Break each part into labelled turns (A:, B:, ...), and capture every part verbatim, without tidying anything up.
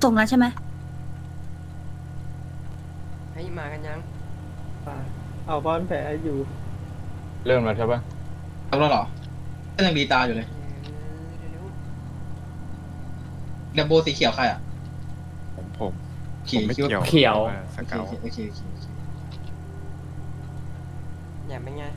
A: ส่งแล้วใช่ไหม
B: ให้มากันยัง
C: เอาบอลแผลอยู่
D: เริ่มแล้วใช่ปะ
E: ทำแล้วเหรอก็ยังดีตาอยู่เลย
B: เดี๋ยว
E: เดมโบสีเขียวใครอ่ะ
F: ผมผม
E: เขียว
F: ผมไม่
E: คิดว่า
F: เกี่ยว
G: เขียว
F: ออส
E: โอเค
F: เกล
E: โอเคโอเคโอเคโอเค
B: ๆอย่าเป็นไง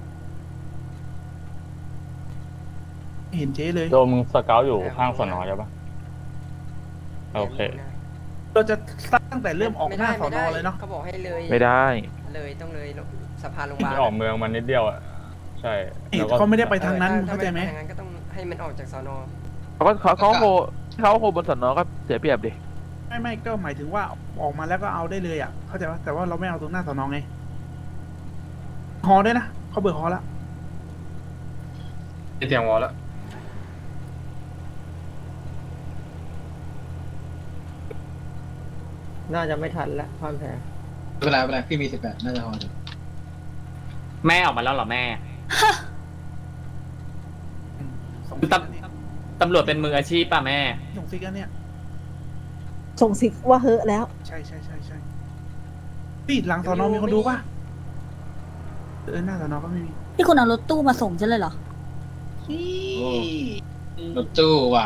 C: เห็นเจ๊เลย
D: โดมึงสเกลอยู่ข้างสนอใช่ปะโอเค
C: เราจะสร้างตั้งแต่เริ่มออกหน้าส
B: ไม่
C: อน
B: ได้
C: อเลยเนาะ
B: เขาบอกให้เลย
G: ไม่ได้
B: เลยต้องเลยสะพานโรงพยาบาล
D: ไม่ออกเมืองมันนิดเดียวอ่ะใช่แล้วก็
C: เขาไม่ได้ไปทางนั้น
B: ออ
C: เข้าใจไหม
B: ถ้ทางนั้นก็ต้องให้มันออกจากสอนอ
G: เขาก็เขาเขาโคเขาโคบนสนอก็เสียเปรียบดิ
C: ไม่ไม่ก็หมายถึงว่าออกมาแล้วก็เอาได้เลยอ่ะเข้าใจปะแต่ว่าเราไม่เอาตรงหน้าสอนอไงฮอด้วยนะเขาเบิกฮอแล้ว
D: เตียงวอลแล้ว
H: น่าจะไม่ทันแล้วความแพ้
E: ไม่เป็นไรไม่เป็นไรพี่มีสิบแปดน่าจะพออยู่
G: แม่ออกมาแล้วเหรอแม่
C: ส่ง
G: คือ
C: ซิก
G: ต
C: แล้วเนี่ย
G: ำตำรวจเป็นมืออาชีพป่ะแม่
C: ส่งซิกแล้วเนี่ย
H: ส่งสิกว่าเฮอะแล้ว
C: ใช่ใช่ใช่ใช่พี่หลังสอนอมีคนดูป่ะเออหน้าสอนอก็ไม่มี
A: ที่คุณเอารถตู้มาส่งฉันเลยเหรอ
E: รถตู้ว่ะ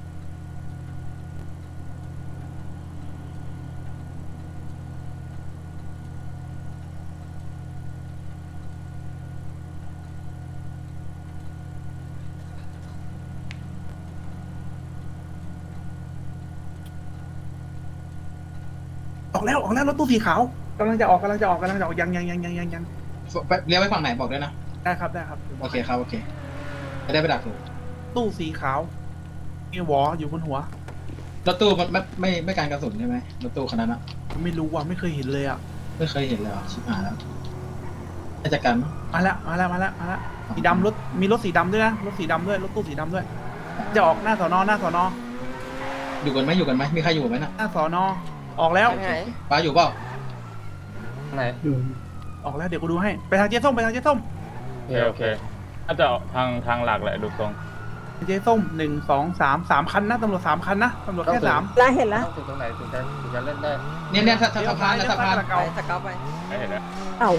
C: ออกแล้วออกแล้วรถตู้สีขาวกำลังจะออกกำลังจะออกกำลังจะออกยังยังยังยังยังยัง
E: ไปเลี้ยวไปฝั่งไหนบอกด้วยนะ
C: ได้ครับได้ครับ
E: โอเคครับโอเคจะได้ไปดักถูก
C: ตู้สีขาวมีหวออยู่บนหัว
E: รถตู้มันไม่ไม่ไม่การกระสุนใช่ไหมรถตู้คันนั้นอะ
C: ไม่รู้ว่ะไม่เคยเห็นเลยอ่ะ
E: ไม่เคยเห็นเลยเหรอชิบหายแล้วน่าจะกันมั้ง
C: มาแล้วมาแล้วมาแล้วมาแล้วสีดำรถมีรถสีดำด้วยนะรถสีดำด้วยรถตู้สีดำด้วย จะออกหน้าสอนอหน้าสอนอ
E: อยู่กันไหมอยู่กันไหมมีใครอยู่ไหมน่ะ
C: หน้าสอนอออกแล้ว
B: ไปไหน
E: ป้าอยู่เปล่า
D: ไหน
C: ออกแล้วเดี๋ยวกูดูให้ไปทางเจ๊ส้มไปทางเจ๊ส้ม
D: โอเคโอเคน่าจะทางทางหลักแหละดูทรง
C: เจ๊ส้มหนึ่งสองสามสามคันนะตำรวจสามคันนะตำรวจแค่สาม
H: แล้วเห็นแล้ว
D: ถึงตรงไหนถึงจะถึงจะเล่นได้
E: เนี่ยเนี่ยสะสะพานนะสะพาน
B: ไปสเกาไป
D: ไม่เห็นแล้ว
H: เก่า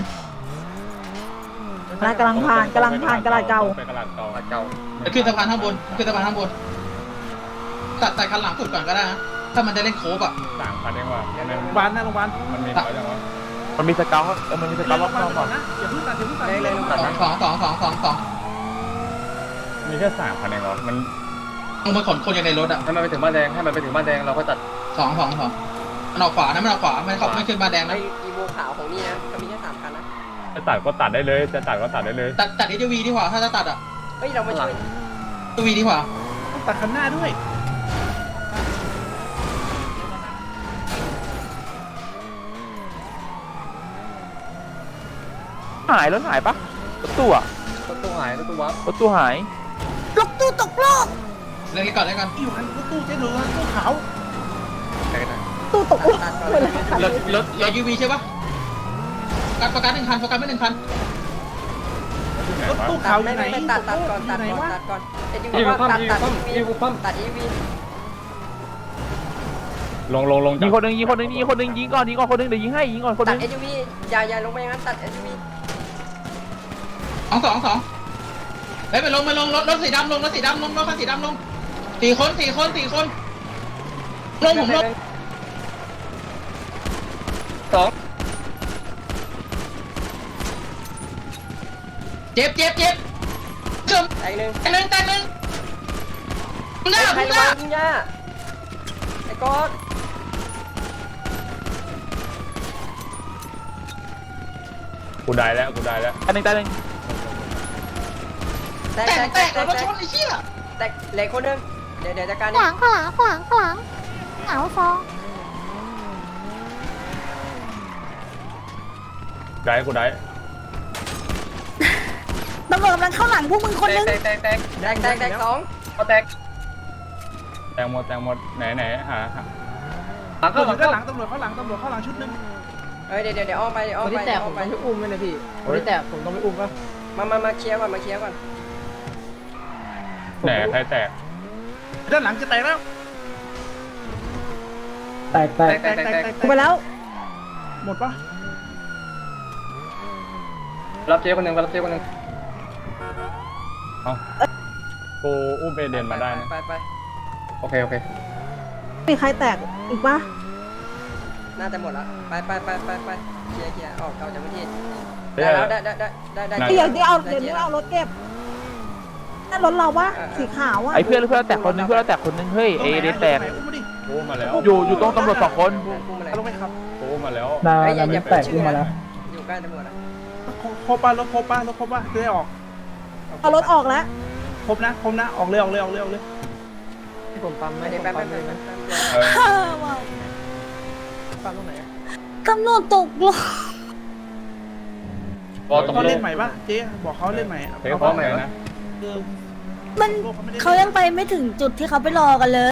H: นายกำลังผ่านกำลังผ่านกระดาษเก่า
D: ไปกระดาษเก่าเก่า
E: มันขึ้นสะพานข้างบนมันขึ้นสะพานข้างบนตัดใส่คันหลังสุดก่อนก็ได้นะถ้ามันจะเล่นโค้บอ่ะ
D: สามพันเองว่ะมัน
C: โรงพยาบาลหน้าโรงพยาบาล
D: มันมีน้อยจังวะ
G: มันมีสเกลเออมันมีสเก
C: เดิ
G: ล
C: น
G: ร
C: ล
G: อบ
C: ง
G: น
C: มา
G: อก
C: ก่อนนะอย่าเพิ่งตัดอย่าเพิ่งตัด
B: เลยเลยลง
E: สองสองสองสองสองสอง
D: มีแค่สามพันเองเหรอมัน
E: ลงมาขนคนอยู่ในรถอ่ะ
D: ให้มันไปถึงบ้านแดงให้มันไปถึงบ้านแดงเราก็ตัด
E: สองสองสองมันออกขวานะมันออกขวามันเขาไม่ขึ้นมาแดง
B: ไอ
E: นะ
B: อีโวขาวของนี่นะก็มีแค่สามคันนะ
D: จะตัดก็ตัดได้เลยจะตัดก็ตัดได้เลย
E: ตัดตัดเอวีดีกว่าถ้าจะตัดอ่ะ
B: เฮ้ยเรามาช่วย
E: เอวีดีกว่า
C: ต้องตัดคันหน้าด้วย
G: หายรถหายปะรถตู้อะ
D: รถตู้หายรถตู้วับ
G: รถตู้หาย
A: รถตู้ตกโลก
E: เล่นก่อนเล่นก่อน
C: อยู่คันรถตู้เจ๊หนูรถตู้ขาว
H: ตู้ตกโลก
B: ตัดก่อน
H: หมดแล้วค่ะ
E: รถรถเอวีใช่ปะการประกันหนึ่งคันประกันไม่หนึ่งคัน
C: รถตู้
B: ตั
C: ขาว
B: ด
C: อ
B: ไม่
C: ยู่ไหน
B: ไม่ตัดตัดก่อน
C: อ
B: ตัด
C: ยู่ไหน
B: ก่อน
C: วะ
B: ตัดก่อนเอ็ดยูวีว่าตัดตัดอีวีตัดอีวี
D: ลงลงลง
G: ยิงคนหนึ่งยิงคนหนึ่งยิงคนหนึ่งยิงก่อนยิงก่อนคนหนึ่งเดี๋ยวยิงให้ยิงก่อนคนห
B: ตัด
G: นึ่ง
B: เอ็ดยูวีอย่าอย่าลงไปอย่างนั้นตัดเอ็ดยูวี
E: สองสองสองเฮ้ยไปลงไปลงรถรถสีดำลงรถสีดำลงรถคันสีดำลงสี่คนสี่คนสี่คนลงผมลง
D: สอง
E: เจ็บเจ็บเจ็บเกือบ
B: แตกหนึ่ง
E: แต่หนึ่งแต่หนึ่งมึงหน้า
B: ใคร
E: มึงห
B: ระ
E: น้า
B: วังย่าไอ้ก๊อต
D: กูได้แล้วกูได้แล้ว
G: อันหนึ่งตายหนึ่ง
B: แตก
E: แต
B: แต
E: ก
B: ก
E: แต
B: แต
E: ก
B: ก
E: รถ
B: แต
E: ช
B: ก
E: นไอ้เชี่ย
B: แตกเหล็กคนหนึงเดี๋ยวเดี๋ยวจัดการ
A: ข
B: นี่
A: วางขวางขวางขวางเหงาฟอง
D: ได้กูได้
A: ตำรวจกำลังเข้าหลังพวกมึงคนนึง
D: แตกแตกแตก
B: แตกแตกแตกสอง
D: ก็แตกแตงหมดแตงหมดไหนไหนหาหา
C: ตำรวจอยู่ด้านหลังตำรวจเข้าหลังตำรวจเข้าหลังชุดหนึง
B: เอ้ยเดี๋ยวเดี๋ยวเดี๋ยวอ้อมไปเดี๋ยวอ้อ
H: ค
B: ม
H: น
B: ไป
H: ที่แตก
B: อ้
H: ผ
B: อ
H: ม
B: มไป
H: ต้องไปอุ้มไหมนะพี่คนที่แตกผมต้องไปอุ้มปะ
B: มามามาเคลียร์ก่อนมาเคลียร์ก่อน
D: ไหนใครแตก
C: ด้านหลังจะแตกแล้ว
H: แตกแต
B: แต
H: ก
B: กแตกแตกแตก
H: ไปแล้ว
C: หมดปะ
D: รับเจ๊คนหนึ่งรับเจ๊คนหนึ่งเอากูอุ้มเอเดนมาได้นะ
B: ไปไป
D: โอเคโอเค
H: มีใครแตกอีกปะ
B: น่าจะหมดละไปไปไปไปไปเคลียร์เคลียร์ออกเอาจากพื้นที่
D: เฮ้ย
B: ได้แล้วได้ได้ได้ได้ได้
H: เดี๋ยวเดี๋ยวเอาเดี๋ยวนี้เอารถเก็บนั่นรถเราปะสีขาวอะ
G: ไอ้เพื่อนเพื่อนแตกคนนึงเพื่อนแตกคนนึงเฮ้ยเอเดนแตก
C: อุ้มมาดิ
D: กูอุ้มมาแล้ว
G: อยู่อยู่ตรงตำรวจสองคน
B: พุ่งมาเลย
C: เอาลงไปครับ
D: กูอุ้มมาแล้ว
H: นา
B: เฮ้ยอย่า
H: นา
B: อย่า
H: แตก
B: ชื่
H: ขึ้นมาแล้ว
B: อยู่ใกล้ตำรวจอะ
C: ครบป่ะรถครบป่ะรถครบป่ะจะได้ออก
H: เอารถออกแล้ว
C: ครบนะครบนะออกเลยออกเลยออกเลยออกเลย
H: ผมปั๊ม
B: ไปเดี๋ยวแป๊บแป๊บแป๊บแป๊บ
D: เออ
A: ฮ่าว้าว
H: ปั๊มตรงไหน
A: ตำรวจตกลง
D: พอตก
C: เขา
D: ล
C: เล่
D: ง
C: นใหม่ป่ะเจ๊บอกเขาเล่นใหม่อะ
D: เทคพร้อมใหม่นะ
C: คือ
A: มันเขายังไปไม่ถึงจุดที่เขาไปรอกันเลย